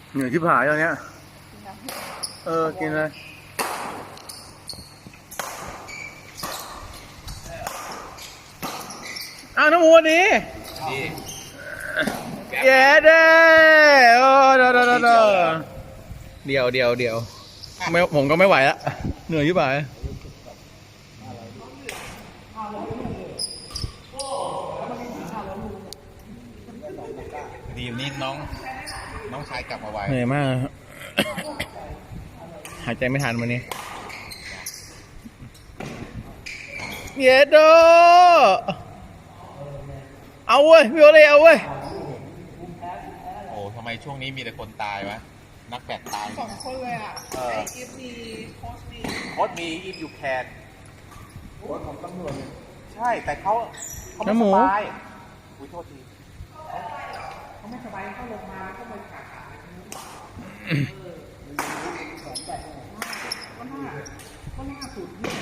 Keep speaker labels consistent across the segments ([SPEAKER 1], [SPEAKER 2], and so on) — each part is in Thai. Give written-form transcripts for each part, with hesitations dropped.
[SPEAKER 1] เหนื่อยที่ผายตอนเนี้ยกินเลยอ้าวน้ำมูนี้เย้เด้โอ้เดี๋ยวไม่ผมก็ไม่ไหวละเหนื่อยที่ผาย
[SPEAKER 2] ดีนี่น้องชายกลับมาไว
[SPEAKER 1] เหนื่อยมากหายใจไม่ทันวันนี้เย้โดเอาเว้ยพี่โอเล่เอาเว้ย
[SPEAKER 2] โอ้ทำไมช่วงนี้มีแต่คนตายวะนักแบดตาย
[SPEAKER 3] 2 คนเลยอ่ะไออีฟมีโค้ชมี
[SPEAKER 2] โค้ชมีอิฟยูแคนโค้ชของตำรวจใช่แต่เขาไม่สบายอุ้ยโทษที
[SPEAKER 3] เขาไม่สบายเขาลงมาแล้วก็ไปขาขาก็น่าสุดเนี่ย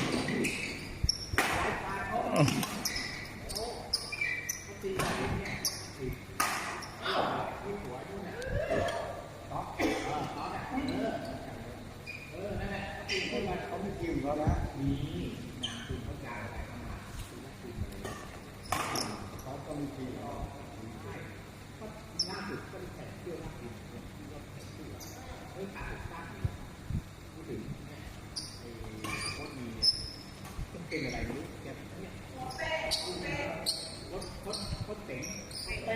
[SPEAKER 3] เป็นอะไรไม่รู้แกเนี่ยรถเต็งไม่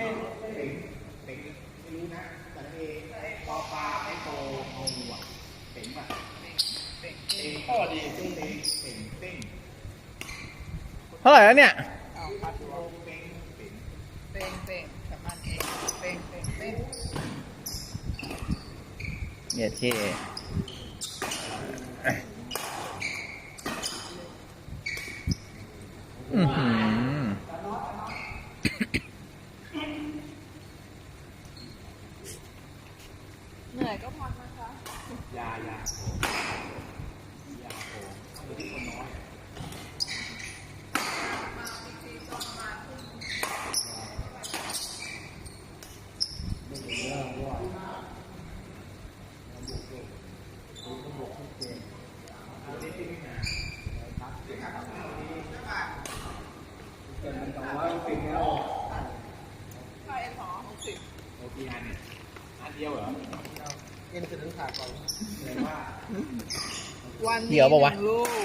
[SPEAKER 3] รู้นะแต่เอปอปลาไอโตเอาหัวเต็งป่ะเต็งข้อดีเต็ง
[SPEAKER 1] เท่าไหร่แล้วเนี่ย
[SPEAKER 3] เอาพัดลมเต็งสามารถเต็ง
[SPEAKER 1] เนี่ยที่
[SPEAKER 3] เหนื่อยก็พักนะคะ
[SPEAKER 2] ยาตัวที่คนน้อย
[SPEAKER 3] ค่าเอ็นสอง60
[SPEAKER 2] โอเคอันเดียวเหรอเอ็นคือต้องขาดก่อนเลยว่า
[SPEAKER 3] วันนี้1 ลูก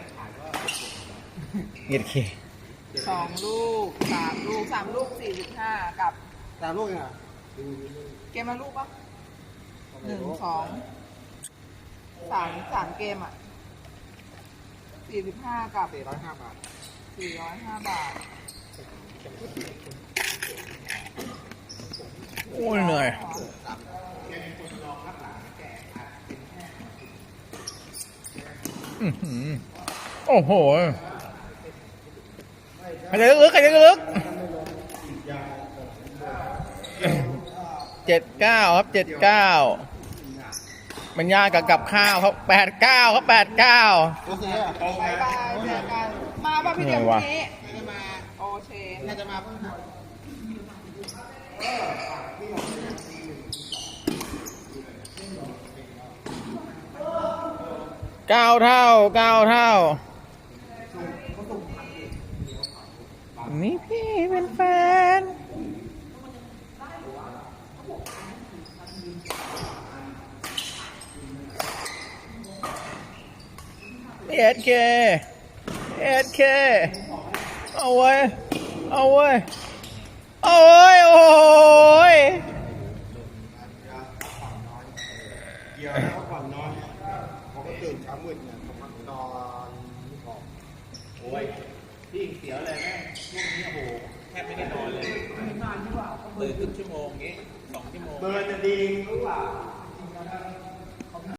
[SPEAKER 1] เย็ดเค
[SPEAKER 3] 2 ลูก3 ลูก3 ลูก 45กับ
[SPEAKER 2] 3 ลูกอ่ะ
[SPEAKER 3] เกมละลูกปะ1 2 3เกมอ่ะ45กับ
[SPEAKER 2] 405 บาท
[SPEAKER 3] 405 บาท
[SPEAKER 1] โอ้ยเหนื่อยโอ้โหใครจะลึก79ครับ79มันยากกับข้าวครับ89ครับ89
[SPEAKER 3] บายบายเจอกันมาป่ะพี่เดียววันนี้จะมาโอเคน่าจะมาเพิ่ง
[SPEAKER 1] 9 เท่านี่พี่เป็นแฟนเอ็ดเคเอาไว้โอ้ย
[SPEAKER 2] เกี่ยวแล้วก่อนนอนเขาก็ตื่นเช้ามืดเนี่ยเขาพักนอนบอกโอ้ยพี่เสียวเลยแม่ช่วงนี้โอ้โหแทบไม่ได้นอนเลยตื่นครึ่งชั่วโมงงี้2 ชั่วโมงเบิร์นจะดีรู้เปล่า